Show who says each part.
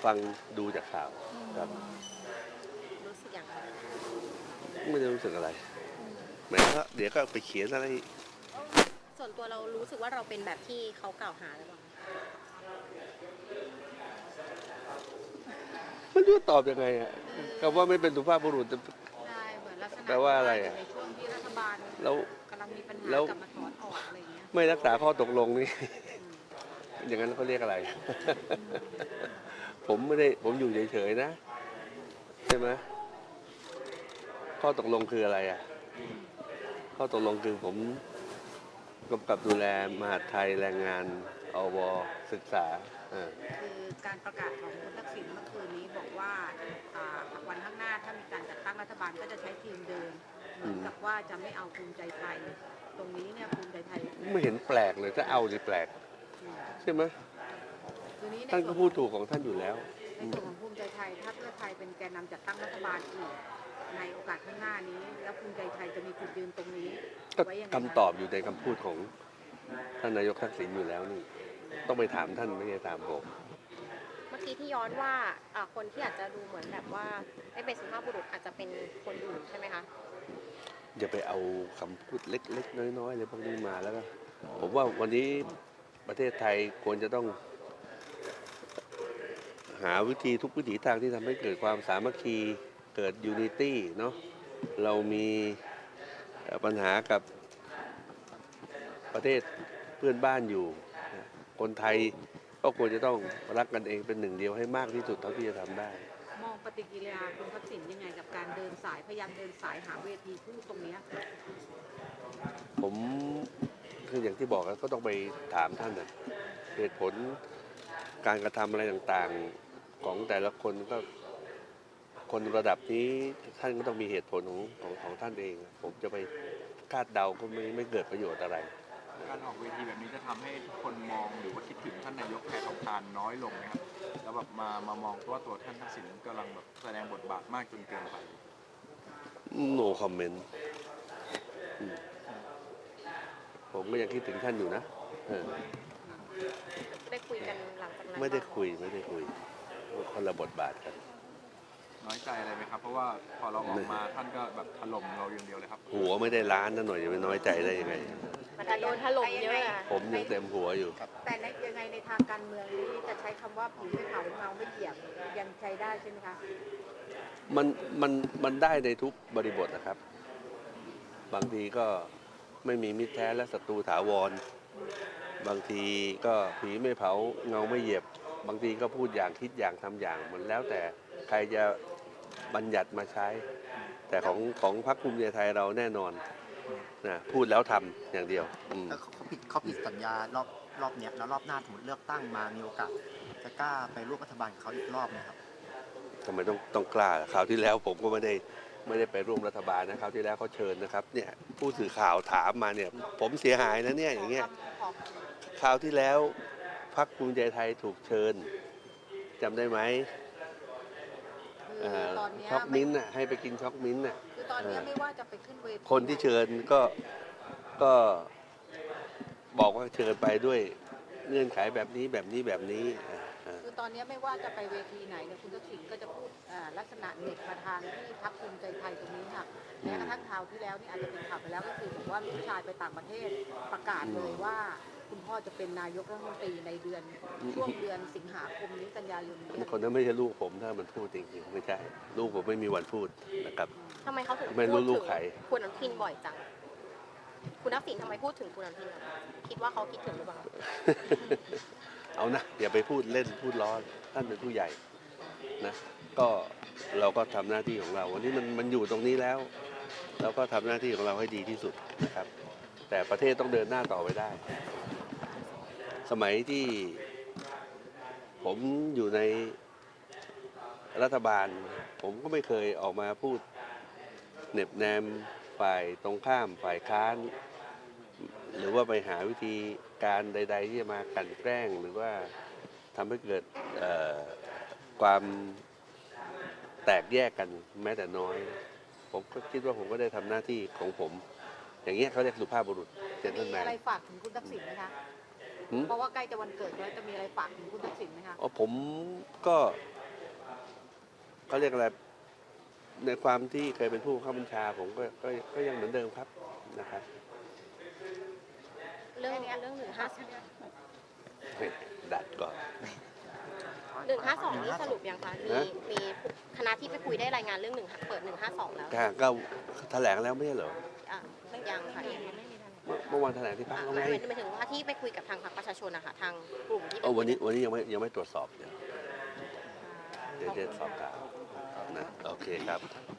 Speaker 1: ฟังดูจากข่าวครับ
Speaker 2: รู้สึกอย่างไร
Speaker 1: ไม่ได้รู้สึกอะไรแหมก็เดี๋ยวก็ไปเขียนอะไร
Speaker 2: ส่วนตัวเรารู้สึกว่าเราเป็นแบบที่เขากล่าวหาหรือเปล่า
Speaker 1: มันจะตอบยังไงอ่ะคำว่าไม่เป็นสุภาพบุรุษ
Speaker 2: ใช่เหมือนลักษณะ
Speaker 1: แปลว่าอะไรอ่ะ
Speaker 2: ในช่วงที่รัฐบาล
Speaker 1: แล้ว
Speaker 2: กำลังมีปัญหา
Speaker 1: แล้ว
Speaker 2: กลับมาถอนออกอะไรอย่างเงี้ย
Speaker 1: ไม่รักษาข้อตกลงนี่ อย่างนั้นเขาเรียกอะไร ผมไม่ได้ผมอยู่เฉยๆนะใช่ไหมข้อตกลงคืออะไรอ่ะข้อตกลงคือผมกำกับดูแลมหาดไทยแรงงานอวศึกษา
Speaker 2: คือการประกาศของคุณทักษิณเมื่อคืนนี้บอกว่าวันข้างหน้าถ้ามีการจัดตั้งรัฐบาลก็จะใช้ทีมเดิมเหมือนกับว่าจะไม่เอาภูมิใจไทยตรงนี้เนี่ยภูมิใจไทย
Speaker 1: ไม่เห็นแปลกเลยถ้าเอาดิแปลกใช่ไหมท่านก็พูดถูกของท่านอยู่แล้ว
Speaker 2: ในส่วนของภูมิใจไทยถ้าเพื่อไทยเป็นแกนนำจัดตั้งรัฐบาลอีกในโอกาสข้างหน้านี้แล้วภูมิใจไทยจะมีจุดยืนตรงนี้
Speaker 1: ก็คำตอบอยู่ในคำพูดของท่านนายกทักษิณอยู่แล้วนี่ต้องไปถามท่านไม่ใช่ถามผม
Speaker 2: เมื่อกี้ที่ย้อนว่าคนที่อาจจะดูเหมือนแบบว่าไม่เป็นสุภาพบุรุษอาจจะเป็นคนอื่นใช่ไหมคะ
Speaker 1: อย่าไปเอาคำพูดเล็กๆน้อยๆเลยพวกนี้มาแล้วก็ผมว่าวันนี้ประเทศไทยควรจะต้องหาวิธีทุกวิถีทางที่ทำให้เกิดความสามัคคีเกิดยูนิตี้เนาะเรามีปัญหากับประเทศเพื่อนบ้านอยู่คนไทยก็ควรจะต้องรักกันเองเป็นหนึ่งเดียวให้มากที่สุดเท่าที่จะทำได้
Speaker 2: มองปฏิกิริยาคุณทักษิณยังไงกับการเดินสายพยายามเดินสายหาเวทีพูดตรงนี้
Speaker 1: ผมคืออย่างที่บอกก็ต้องไปถามท่านนะเหตุผลการกระทำอะไรต่างๆของแต่ละคนก็คนระดับนี้ท่านก็ต้องมีเหตุผลของท่านเองผมจะไปคาดเดาก็ไม่เกิดประโยชน์อะไร
Speaker 3: การออกเวทีแบบนี้จะทำให้ทุกคนมองหรือว่าคิดถึงท่านนายกแพทองทานน้อยลงไหมครับแล้วแบบมามองว่าตัวท่านทักษิณกำลังแบบแสดงบทบาทมากจนเกินไป
Speaker 1: no comment ผมก็ยังคิดถึงท่านอยู่นะ
Speaker 2: ได้คุยกันหลังจากนั้น
Speaker 1: ไม่ได้คุยคนละบทบาทกัน
Speaker 3: น้อยใจอะไรไหมครับเพราะว่าพอเราออกมาท่านก็แบบถล่มเราอย่างเดียวเลยครับ
Speaker 1: หัวไม่ได้ล้านนั่นหน่อยจะไปน้อยใจได้ยังไง
Speaker 2: มันโดนถล่มเยอะ
Speaker 1: ผมยังเต็มหัวอยู่
Speaker 2: แต่ในยังไงในทางการเมืองนี้จะใช้คำว่าผีไม่เผาเงาไม่เหยียบยังใช้ได้ใช่ไหมคะ
Speaker 1: มันได้ในทุกบริบทนะครับบางทีก็ไม่มีมิตรแท้และศัตรูถาวรบางทีก็ผีไม่เผาเงาไม่เหยียบบางทีก็พูดอย่างคิดอย่างทำอย่างมันแล้วแต่ใครจะบัญญัติมาใช้แต่ของพรรคภูมิใจไทยเราแน่นอนนะพูดแล้วทำอย่างเดียว
Speaker 4: เขาผิดสัญญารอบเนี้ยแล้วรอบหน้าสมมติเลือกตั้งมามีโอกาสจะกล้าไปร่วมรัฐบาลกับเขาอีกรอบไหมครับ
Speaker 1: ทำไมต้องกล้าคราวที่แล้วผมก็ไม่ได้ไปร่วมรัฐบาลนะคราวที่แล้วเขาเชิญนะครับเนี่ยผู้สื่อข่าวถามมาเนี่ยผมเสียหายนะเนี่ยอย่างเงี้ยคราวที่แล้วพรรคภูมิใจไทยถูกเชิญจำได้ไหมช็อกมิ้นท์น่ะให้ไปกินช็อกมิ้นท์น่ะ
Speaker 2: คือตอนนี้ไม่ว่าจะไปขึ้นเวที
Speaker 1: คนที่เชิญก็บอกว่าเชิญไปด้วยเงื่อนไขแบบนี้
Speaker 2: คือตอนนี้ไม่ว่าจะไปเวทีไหนเนี่ยคุณทักษิณก็จะพูดลักษณะเด็กประธานที่พรรคภูมิใจไทยตรงนี้ค่ะแม้กระทั่งข่าวที่แล้วนี่อาจจะเป็นข่าวไปแล้วก็คือบอกว่าลูกชายไปต่างประเทศประกาศเลยว่าคุณพ่อจะเป็นนายกรัฐมนตรีในช่วงเดือนสิงหาคมนี้กันยายนนี้
Speaker 1: คนนั้นไม่ใช่ลูกผมถ้ามันพูดจริงๆไม่ใช่ลูกผมไม่มีวันพูดนะครับ
Speaker 2: ทำไมเขาถึง
Speaker 1: ไม่รู้ลูกใคร
Speaker 2: คุณอนุทินบ่อยจังคุณทักษิณทำไมพูดถึงคุณอนุทินคิดว่าเขาคิดถึงหรือเปล่า
Speaker 1: เอานะอย่าไปพูดเล่นพูดล้อท่านเป็นผู้ใหญ่นะก็เราก็ทำหน้าที่ของเราวันนี้มันอยู่ตรงนี้แล้วเราก็ทำหน้าที่ของเราให้ดีที่สุดนะครับแต่ประเทศต้องเดินหน้าต่อไปได้สมัยที่ผมอยู่ในรัฐบาลผมก็ไม่เคยออกมาพูดเหน็บแนมฝ่ายตรงข้ามฝ่ายค้านหรือว่าไปหาวิธีการใดๆที่จะมากลั่นแกล้งหรือว่าทำให้เกิดความแตกแยกกันแม้แต่น้อยผมก็คิดว่าผมก็ได้ทำหน้าที่ของผมอย่างเงี้ยเขาเรียกสุภาพบุรุษเจนเทิลแมน
Speaker 2: มีอะไรฝากถึงคุณทักษิณไหมคะเพราะว่าใกล้จะวันเกิดแล้วจะมีอะไรฝากถึงคุณทักษิณไหมคะ
Speaker 1: ผมก็เขาเรียกอะไรในความที่เคยเป็นผู้บังคับบัญชาผมก็ยังเหมือนเดิมครับนะครับ
Speaker 5: เรื่อง152
Speaker 1: ดัดก่อน
Speaker 5: นี่สรุปยังคะมีคณะที่ไปคุยได้รายงานเรื่องเปิด152แล้ว
Speaker 1: ก็แถลงแล้วไม่ใช่เหรอ
Speaker 5: อ่ะยังค่ะ
Speaker 1: เมื่อวานแถลงที่พักแล้วไง
Speaker 5: หมายถึงว่าที่ไปคุยกับทางพรรคประชาชนนะคะทางกลุ่มที่ไป
Speaker 1: วันนี้ยังไม่ตรวจสอบเดี๋ยวจะสอบกล่าวนะโอเคครับ